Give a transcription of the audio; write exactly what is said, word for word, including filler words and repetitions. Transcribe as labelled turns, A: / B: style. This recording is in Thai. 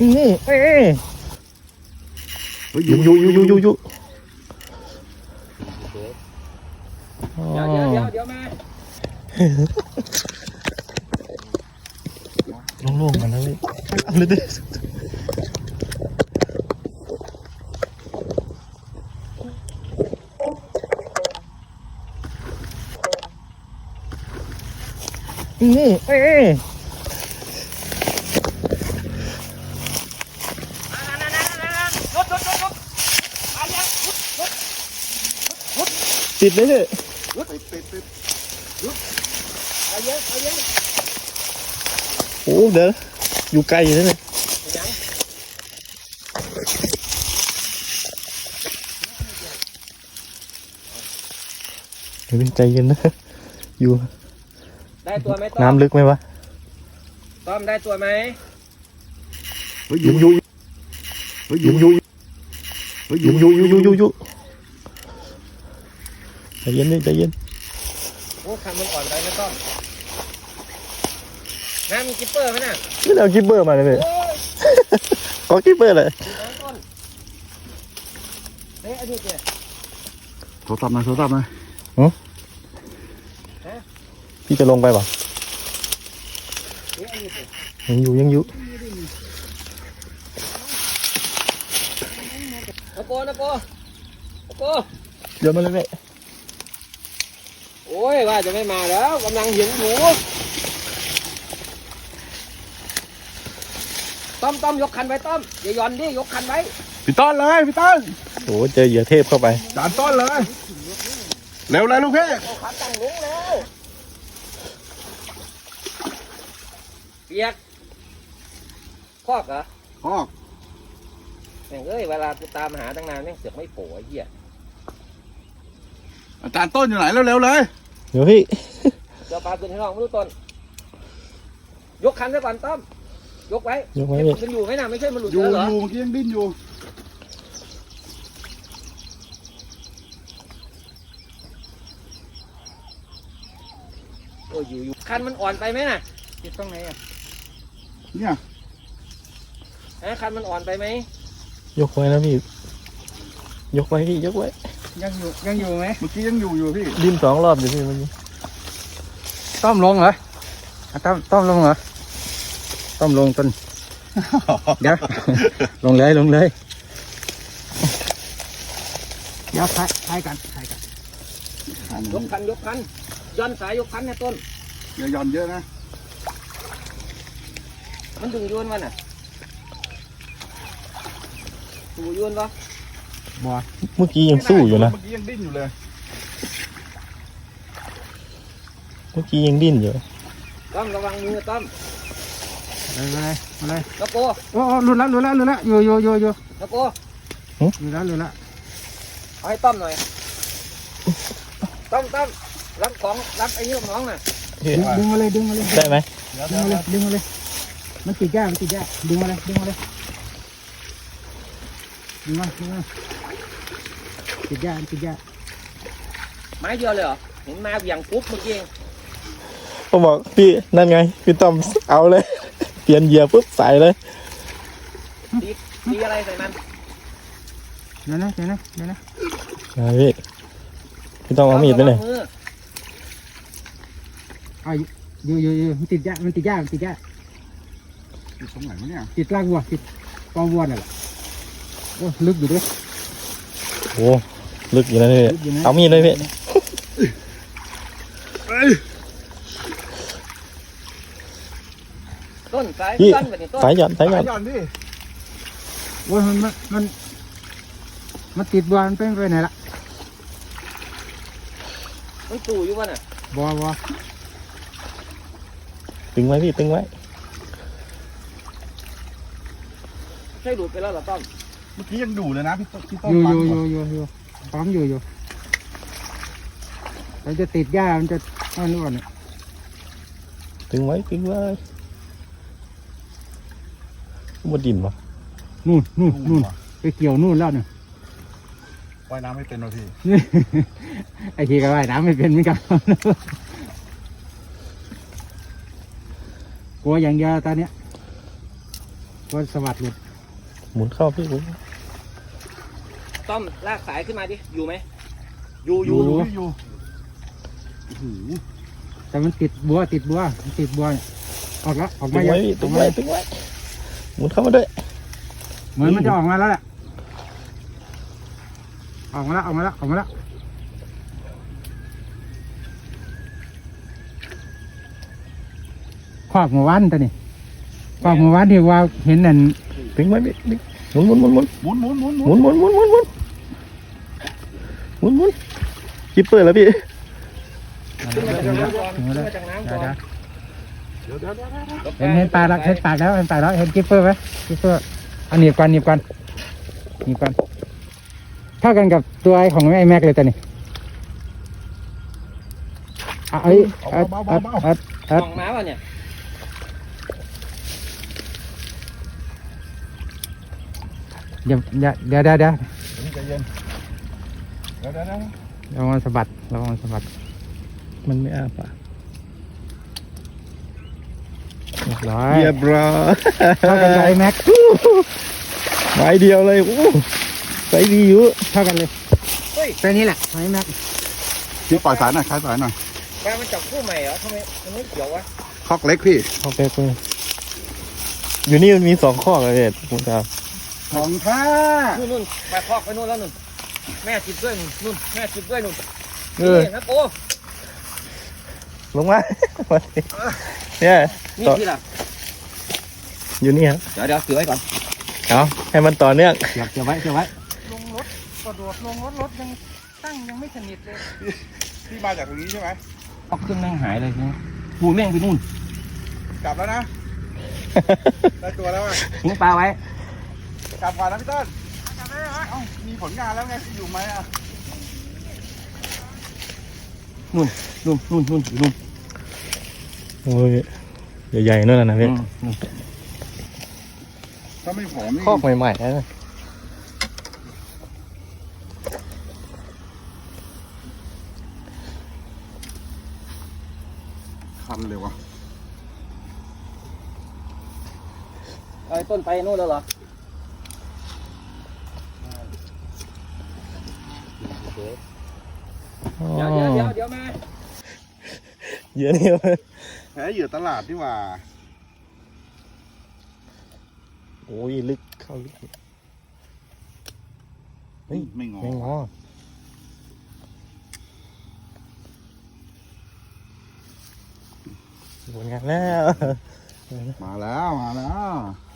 A: นี่เอ้ยอยู่อยู่อยู่อยู่อยู่อยู่
B: เดี๋ยวเดี๋ยวเดี๋ยวเดี๋ยวมา
A: โล่งๆมันนะเลยเอาเลยดินี่เอ้ยติดเลยเหรอติดติดติดเอาเยอะเอาเยอะโอ้เดี๋ยวอยู่ไกลอยู่นั่นเลยเดี๋ยวใจเย็นนะอยู่
B: ได้ตัวไหมต้อม
A: น้ำลึกไหมวะ
B: ต้อมได้ตัวไหม
A: ยุ่งยุ่งยุ่งยุ่งยุ่งยุ่งยุ่งยุ่งยุ่งยุ่งใจเย็นดิใจเย็น
B: โอ้คันมันอ่อนไปนะต้อมน้ำมีกิปเปอร์ไหมน่ะ
A: ไม่เอากิปเปอร์มาเลยก็กิปเปอร์เลย
B: เฮ้ยอดีตเนี่ย
C: โทรศัพท์มาโทรศัพท์มา
A: หือพี่จะลงไปป่ะยังอยู่ยังอยู่
B: นะโกนะโกนะโก
A: เดี๋ยวมาเลยแม่
B: โอ้ยว่าจะไม่มาแล้วกำลังหิวหมูต้อมต้อมยกคันไว้ต้อมอย่าย่อนดิยกคันไว้
C: พี่ต้นเลยพี่ต้น
A: โอ้เจอเหยื่อเทพเข้าไป
C: จานต้นเลยเร็วเลยลูกพี่
B: เอาขาตั้งลงแล้วเปียกคอกเหรอ
C: คอก
B: แม่งเอ้ยเวลากูตามหาตั้งนานแม่งเสือกไม่โผล่ไอ้เหี้ย
C: อาจารย์ต้นอยู่ไหนเร็วๆเลย
A: เดี๋ยวพี่
B: เดี๋ยวปลาขึ้นให้น้องไม่รู้ต้นยกคันซะก่อนต้อมยกไว้
A: ยกไว้
B: มันอยู่ไหมน่ะไม่ใช่มันหลุด
C: อยู่
B: เหรอ
C: อยู่เมื่อกี้ยังดิ้นอยู่
B: โอ้ยอยู่อยู่คันมันอ่อนไปไหมน่ะติดตรงไหนอ่ะ
C: เนี่ย
B: ฮะคันมันอ่อนไปไหม
A: ยกไว้นะพี่ยกไว้พี่ยกไว้
B: ยังอยู่ยังอยู่ไหม
C: เมื่อกี้ยังอยู่อยู่พี่
A: ดิ้นสองรอบอยู่พี่เมื่อกี้
B: ต้อมลงเหรอต้อมต้อมลงเหรอต้อมลงต้นเดี๋ยวลงเลยลงเลยเดี๋ยวถ่ายถ่ายกันถ่ายกันยกคันยกคันย้อนสายยกคันเนี่ยต้น
C: อย่าย่อนเยอะนะ
B: มันดึงยวนมันอ่ะถูยวนปะ
A: บ่เมื่อกี้ยังสู้อยู่นะ
C: เมื่อกี้ยังดิ้นอยู่เลย
A: เมื่อกี้ยังดิ้นอยู่
B: ต้อมระวังมือต้อม
C: อะไรอะไร
B: ตะโก
C: โอ้หลุดแล้วหลุดแล้วหลุดแล้วอยู่อยู่อยู่อยู่
B: ตะโก
C: หลุดแล้วหลุดแล้ว
B: เอาให้ต้อมหน่อยต้อมต้อมรับของรับไอ้นี่ของน้องน่ะ
C: ดึงมาเลยดึงมาเลย
A: ได้ไหม
C: ดึงมาเลยดึงมาเลยมันติดยากมันติดยากดึงมาเลยดึงมาเลยดึงมาดึงมาติดยากติดยาก
B: ไม้เดียวเลยเหรอเห็นมาอย่างปุ๊บเมื่อกี้
A: ผมบอกพี่นั่นไงพี่ต้อมเอาเลยเปลี่ยนเหยื่อปุ๊บใส่เลย
B: ตีตีอะไรใส่มัน
C: เดี๋ยวนะเดี๋ยวนะเดี๋ยวนะ
A: พี่พี่ต้องเอามีดไปเลย
C: เอาอยู่อยู่อยู่มันติดยากมันติดยากมันติดยากติดตรงไหนวะเนี่ยติดล่างวัวติดกองวัวน่ะแหละโอ้ลึกอยู่ด้วย
A: โอ้ลึกอยู่นะพี่เอามีดเลยพี่
B: ต้นสายยันแบบนี้ต้น
A: สายยันสายยัน
C: ดิโอ้ยมันมันมันติดบัวมันเป็นไปไหนละ
B: มันตู่อยู่วะน่ะ
C: บัวบัว
A: ตึงไว้พี่ตึงไว้
B: ใช่หลุดไปแล้วเหรอต้อม
C: เมื่อกี้ยังดูเลยนะพี่พี่ต้อม
D: อยู่อยู่อยู่อยู่อยู่ปั๊มอยู่อยู่มันจะติดหญ้ามันจะอันนู้นเนี่ย
A: ตึงไว้ตึงไว้บนดินวะ
D: นู่นนู่นนู่นไปเกี่ยวนู่นแล้วเนี่ย
C: ว่ายน้ำไม่เป็นหรอพี่
D: ไอ้ทีก็ว่ายน้ำไม่เป็นเหมือนกันกลัวอย่างเดียวตอนเนี้ยวันสวัสดิ์หลุด
A: หมุนเข้าพี่หมุน
B: ต้อมลากสายขึ้นมาดิอยู่ไหมอยู่อยู่
C: อยู่
D: แต่มันติดบัวติดบัวมันติดบัวเนี่ยออกแล้วออก
A: ตึ
D: มาง
A: ไว้
D: ยัง
A: พี่
D: อ
A: ตึ
D: อก
A: ง
D: มา
A: ไว้
D: ยัง
A: ตึงไว้หมุนเข้ามาด้วย
D: เหมือนมันจะออกมาแล้วแหละออกมาแล้วออกมาแล้วออกมาแล้วขวากหมู่บ้านตัวนี้ขวากหมู่บ้านที่ว่าเห็นนั่น
A: ตึงไว้พี่ตึงหมุนหมุนหมุนหมุน
C: หมุนหมุนหมุนหมุน
A: หมุนหมุนหมุนหมุนหมุนหมุนหมุนคิปเปอร์แล้วพี่
B: ขึ้นมาจากน้ำก่อน
D: ถึง
B: ขึ้น
D: แล้ว
B: มาจากน้ำก่อน
C: เดี๋ยวเดี๋ยวเดี๋ยวเดี๋ยว
D: เห็นเห็นปลาแล้วเห็นปลาแล้วเห็นปลาแล้วเห็นกิปเปอร์ไหมกิปเปอร์อันหนีบกันหนีบกันหนีบกันเท่ากันกับตัวไอ้ของไอ้แม็กเลยตัวนี้อ่ะเอ้ยอัดอัดอัดอัด
B: มองม้าป่ะเนี่ย
D: อย่าอย่าเดี๋ยวเดี๋ยวเดี๋ยว
C: ใจเย็นเดี๋ยวเดี๋ยวเดี๋ยว
D: ระวังสะบัดระวังสะบัด
A: มันไม่อ้าปาก
D: เรียบร้อย
A: เรียบร้อย
D: เท่ากันกับไอ้แม็ก
A: ไม้เดียวเลยโอ้ไซส์ดีอยู่
D: เท่ากันเลย
B: เฮ้ย
D: ตัวนี้แหละไอ้แม็ก
C: พี่ปล่อยสายหน่อยคลายสายหน่อย
B: ปลามันจับคู่ใหม่เหรอทำไมมันไม่เกี่ยววะ
C: คอกเล็กพี่
A: โอเคคุณอยู่นี่มันมีสองข้อเลยเนี่ยคุณครับ
C: ของท่า
B: นู่นนู่นไปคอกไปนู่นแล้วนู่นแม่จิบด้วยนู่นนู่นแม่จิบด้วยนู่น
A: เออ
B: นี่ครับโอ้
A: ลงมา เนี่ย
B: นี่
A: ต่อ
B: ที่ล่ะ
A: อยู่นี่ครับ
B: เดี๋ยวเดี๋ยวถือไว้ก่อน
A: เอาให้มันต่อเนื่อง
D: เก็บเก็บไว้เก็บไว้
C: ลงรถกระโดดลงรถรถยังตั้งยังไม่สนิทเลยพี่มาจากตรงนี้ใช่ไหม
B: เอาเครื่องแม่งหายเลยทีนี้ปูแม่งไปนู่น
C: กลับแล้วนะได้ตัวแล้วอ่ะ
B: ทิ้งปลาไว้
C: กลับก่อนนะพี่ต้นกลับได้เหรอเอ้ามีผลงานแล้วไงอยู่ไหมอ่ะ
B: นู่นนู่นนู่นนู่นอยู่นู่น
A: โอ้ยใหญ่ๆนั่นน่ะนะ
B: อื
A: พี่
B: มนู่น
C: ถ้าไม่ผอมนี่
A: คอกใหม่ๆนะ
C: คันเลยวะ
B: ไอ้ต้นไปนู่นแล้วเหรอ
A: อ๋อ
B: เดี๋ยวเดี๋ยวเดี๋ยวเดี๋ยวมา
A: เยอะนี่วะ
C: แพ้เหยื่อตลาดนี่หว่า
A: โอ้ยลึกเข้าลึกเฮ้ย
C: ไม่งอ
A: ไม่งอผลงานแล้ว
C: มาแล้วมาแล้ว